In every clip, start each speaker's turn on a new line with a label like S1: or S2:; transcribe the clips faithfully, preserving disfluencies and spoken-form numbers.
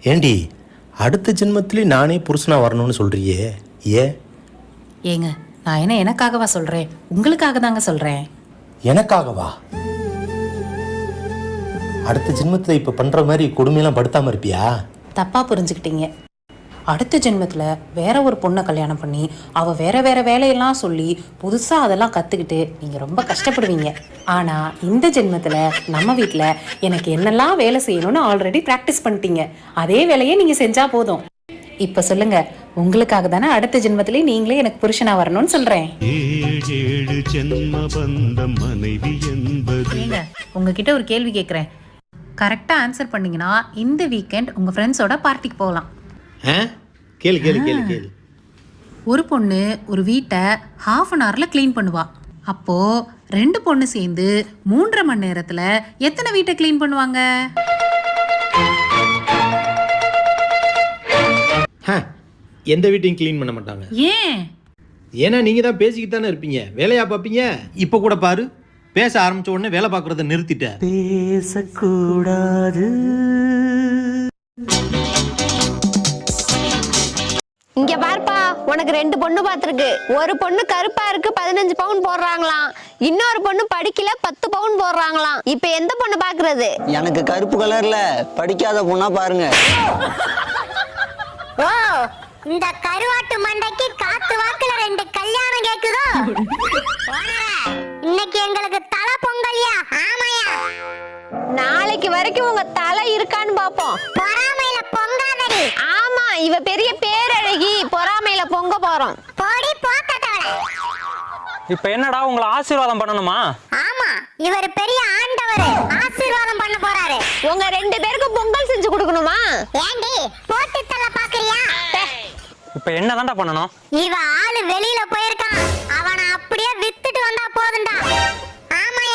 S1: ஏண்டி அடுத்த ஜென்மத்திலே நானே புருஷனா வரணும்னு சொல்றியே, ஏ?
S2: ஏங்க, நான் என்ன எனக்காகவா சொல்றேன், உங்களுக்காக தாங்க சொல்றேன்.
S1: எனக்காகவா? அடுத்த ஜென்மத்தில் இப்போ பண்ற மாதிரி கொடுமையெல்லாம் படுத்தாம இருப்பியா?
S2: தப்பா புரிஞ்சுக்கிட்டீங்க. அடுத்த ஜென்மத்தில் வேற ஒரு பொண்ணை கல்யாணம் பண்ணி அவள் வேற வேற வேலையெல்லாம் சொல்லி புதுசாக அதெல்லாம் கற்றுக்கிட்டு நீங்கள் ரொம்ப கஷ்டப்படுவீங்க. ஆனால் இந்த ஜென்மத்தில் நம்ம வீட்டில் எனக்கு என்னெல்லாம் வேலை செய்யணும்னு ஆல்ரெடி ப்ராக்டிஸ் பண்ணிட்டீங்க. அதே வேலையை நீங்கள் செஞ்சால் போதும். இப்போ சொல்லுங்க, உங்களுக்காக தானே அடுத்த ஜென்மத்திலே நீங்களே எனக்கு புருஷனா வரணும்னு சொல்றேன். ஏங்க, உங்ககிட்ட ஒரு கேள்வி கேட்குறேன். கரெக்டாக ஆன்சர் பண்ணீங்கன்னா இந்த வீக்கெண்ட் உங்கள் ஃப்ரெண்ட்ஸோட பார்ட்டிக்கு போகலாம்.
S1: கேளு கேளு கேளு கேளு.
S2: ஒரு பொண்ணு ஒரு வீட்டை ஹாஃப் அன் ஹவரில் க்ளீன் பண்ணுவா. அப்போது ரெண்டு பொண்ணு சேர்ந்து மூன்றரை மணி நேரத்தில் எத்தனை வீட்டை க்ளீன் பண்ணுவாங்க?
S1: எந்த வீட்டையும் க்ளீன் பண்ண மாட்டாங்க.
S2: ஏன்?
S1: ஏன்னா நீங்கள் தான் பேசிக்கிட்டு தானே இருப்பீங்க, வேலையா பார்ப்பீங்க. இப்போ கூட பாரு, பேச ஆரம்பிச்ச உடனே வேலை பார்க்குறத நிறுத்திட்ட. பேசக்கூடாது.
S3: இங்க பார்ப்பா, உனக்கு ரெண்டு பொண்ணு பாத்துருக்கு. ஒரு பொண்ணு கருப்பா இருக்கு, பதினஞ்சு பவுன் போடுறாங்களாம். இன்னொரு பொண்ணு படிக்கல, பத்து பவுன் போடுறாங்களாம். இப்ப எந்த பொண்ணு பாக்குறது?
S4: எனக்கு கருப்பு கலர்ல படிக்காத பொண்ணா பாருங்க.
S5: ஓ, இந்த கருவாட்டு மண்டைக்கு காத்து வாக்குல ரெண்டு கல்யாணம் கேக்குதோ? இன்னைக்கு எங்களுக்கு தலை பொங்கலியா? ஆமாயா.
S3: நாளைக்கு வரைக்கும் உங்க தலை இருக்கான்னு பாப்போம்.
S5: பொறாமையில பொங்காதடி.
S3: ஆமா, இவ பெரிய பேரழகி, பொறாமையில பொங்க போறோம்.
S5: போடி போக்கட்டவள.
S6: இப்ப என்னடா, உங்களை ஆசீர்வாதம் பண்ணணுமா?
S5: ஆமா, இவர் பெரிய ஆண்டவர், ஆசீர்வாதம் பண்ண போறாரு.
S3: உங்க ரெண்டு பேருக்கும் பொங்கல் செஞ்சு கொடுக்கணுமா?
S5: ஏண்டி போட்டு தள்ள பாக்குறியா?
S6: இப்ப என்னதான்டா பண்ணணும்?
S5: இவ ஆளு வெளியில போயிருக்கான், அவனை அப்படியே வித்துட்டு வந்தா போதுண்டா. ஆமாயா.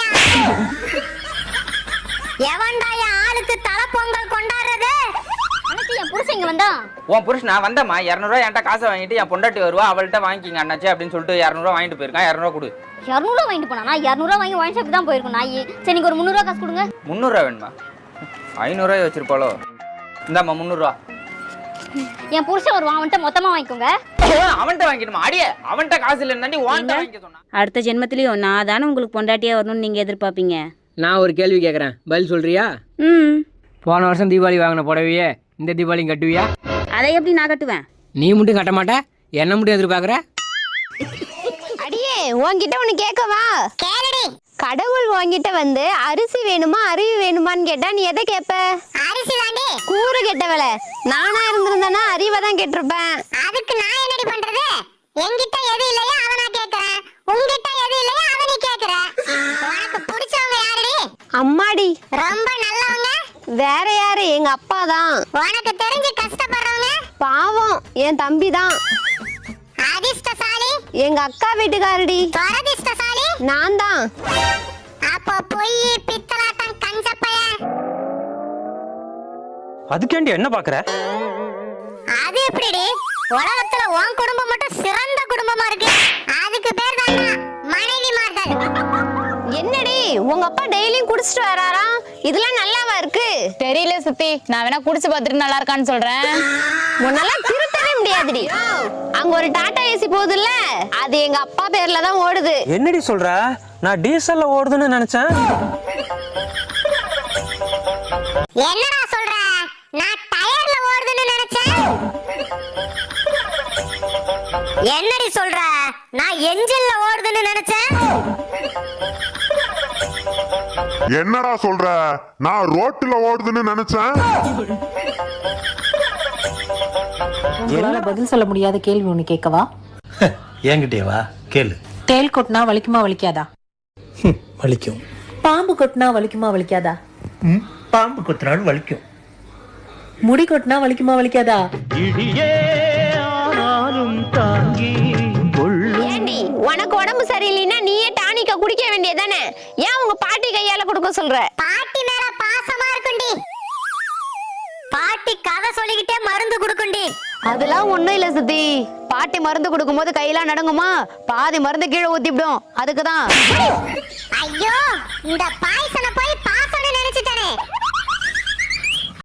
S5: எவன்டா என் ஆளுக்கு தலை பொங்கல் கொண்டாடுறது? அண்ணாச்சி, என் புருஷன் இங்க வந்தா.
S7: உன் புருஷன் நான் வந்தம்மா, இரநூறுவா என்கிட்ட காசை வாங்கிட்டு என் பொண்டாட்டி வருவா, அவள்கிட்ட வாங்கிக்கிங்க அண்ணாச்சி அப்படின்னு சொல்லிட்டு இரநூறுவா வாங்கிட்டு போயிருக்கான். இரநூறுவா கொடு.
S5: இரநூறுவா வாங்கிட்டு போனா? இரநூறுவா வாங்கி ஒயின் ஷாப் தான் போயிருக்கும் நாய். சரி, நீங்க ஒரு முந்நூறுவா காசு கொடுங்க.
S7: முந்நூறுவா வேணுமா? ஐநூறுரூவா வச்சிருப்பாளோ? இந்தாம்மா முந்நூறுவா.
S5: என் புருஷன் வருவான், அவன்கிட்ட மொத்தமா வாங்கிக்கோங்க.
S7: அவன்கிட்ட வாங்கிடுமா? அடியே, அவன்கிட்ட காசு இல்லைன்னு வாங்கிட்டு வாங்கிக்க சொன்னா.
S8: அடுத்த ஜென்மத்திலையும் நான் தானே உங்களுக்கு பொண்டாட்டியா வரணும்னு நீங்க எதிர்பார்ப்பீங்க.
S9: நான் ஒரு கேள்வி கேட்குறேன், பதில் சொல்றியா?
S8: ம்.
S9: போன வருஷம் தீபாவளி வாங்கின புடவையே இந்த தீபாவளியும் கட்டுவியா?
S8: அதை எப்படி நான் கட்டுவேன்?
S9: நீ மட்டும் கட்ட மாட்டே, என்ன மட்டும் எதிர்பார்க்குற?
S3: அடியே, உன்கிட்ட ஒண்ணு கேட்கவா?
S5: கேளுடி.
S3: கடவுள் உன்கிட்ட வந்து அரிசி வேணுமா அறிவு வேணுமான்னு கேட்டா நீ எதை கேட்ப?
S5: அரிசி தாண்டி.
S3: கூறு கெட்டவள. நானா இருந்திருந்தேன்னா அறிவை தான் கேட்டிருப்பேன்.
S5: அதுக்கு நான் என்னடி பண்றது? என்கிட்ட எது இல்லையோ அதை நான் கேட்கறேன், உன்கிட்ட எது இல்லையோ அதை நீ கேட்கற. உனக்கு பிடிச்சவங்க யாருடி?
S3: அம்மாடி.
S5: ரொம்ப நல்லவங்க?
S3: வேற யாரு? எங்க அப்பா தான்.
S5: உனக்கு தெரிஞ்சு கஷ்டப்படுறவங்க?
S3: பாவம், என் தம்பி தான்.
S5: அதிர்ஷ்டசாலி?
S3: எங்க அக்கா வீட்டுக்காரடி.
S5: துரதிர்ஷ்டசாலி?
S3: நான் தான்.
S5: அப்போ பொய் பித்தலாட்டம் கஞ்சப்பைய.
S6: அதுக்கேண்டி என்ன பாக்குற?
S5: அது எப்படிடி? உலகத்துல உன் குடும்பம் மட்டும் சிறந்த குடும்பமா இருக்கு, அதுக்கு பேர் தான் மனைவிமார்கள்.
S3: என்னடி, உங்க அப்பா டெய்லியும் குடிச்சிட்டு வராராம், இதெல்லாம் நல்லாவா இருக்கு?
S10: தெரியல சுத்தி, நான் வேணா குடிச்சு பார்த்துட்டு நல்லா இருக்கான்னு சொல்றேன்.
S3: உன்னெல்லாம் திருத்தவே முடியாதுடி. அங்க ஒரு டாடா ஏசி போகுதுல்ல, அது எங்க அப்பா பேர்ல தான் ஓடுது.
S6: என்னடி சொல்ற? நான் டீசல்ல ஓடுதுன்னு நினைச்சேன்.
S5: என்னடா சொல்ற? நான் டயர்ல ஓடுதுன்னு நினைச்சேன். என்னடி சொல்ற? நான் என்ஜின்ல ஓடுதுன்னு நினைச்சேன்.
S11: என்னடா சொல்ற? நான் ரோட்ல ஓடுதுன்னு நினைச்சேன்.
S2: உங்களால பதில் சொல்ல முடியாத கேள்வி ஒண்ணு கேட்கவா?
S1: என்கிட்டே வா, கேளு.
S2: தேல் கொட்டினா வலிக்குமா வலிக்காதா?
S1: வலிக்கும்.
S2: பாம்பு கொட்டினா வலிக்குமா வலிக்காதா?
S1: பாம்பு கொத்தினாலும் வலிக்கும்.
S2: முடி கொட்டினா வலிக்குமா வலிக்காதா?
S3: ஏண்டி, உனக்கு உடம்பு சரியில்லைன்னா நீயே டானிக்க குடிக்க வேண்டியதானே? ஏன் உங்க பாட்டி கையால கொடுக்க சொல்ற?
S5: பாட்டி மேல பாசமா இருக்குண்டி. பாட்டி கதை சொல்லிக்கிட்டே மருந்து குடுக்குண்டி.
S3: அதெல்லாம் ஒண்ணும் இல்ல சுத்தி. பாட்டி மருந்து கொடுக்கும் போது கையெல்லாம் நடுங்குமா? பாதி மருந்து கீழே ஊத்திவிடும், அதுக்குதான்.
S5: ஐயோ, இந்த பாய்சனை போய்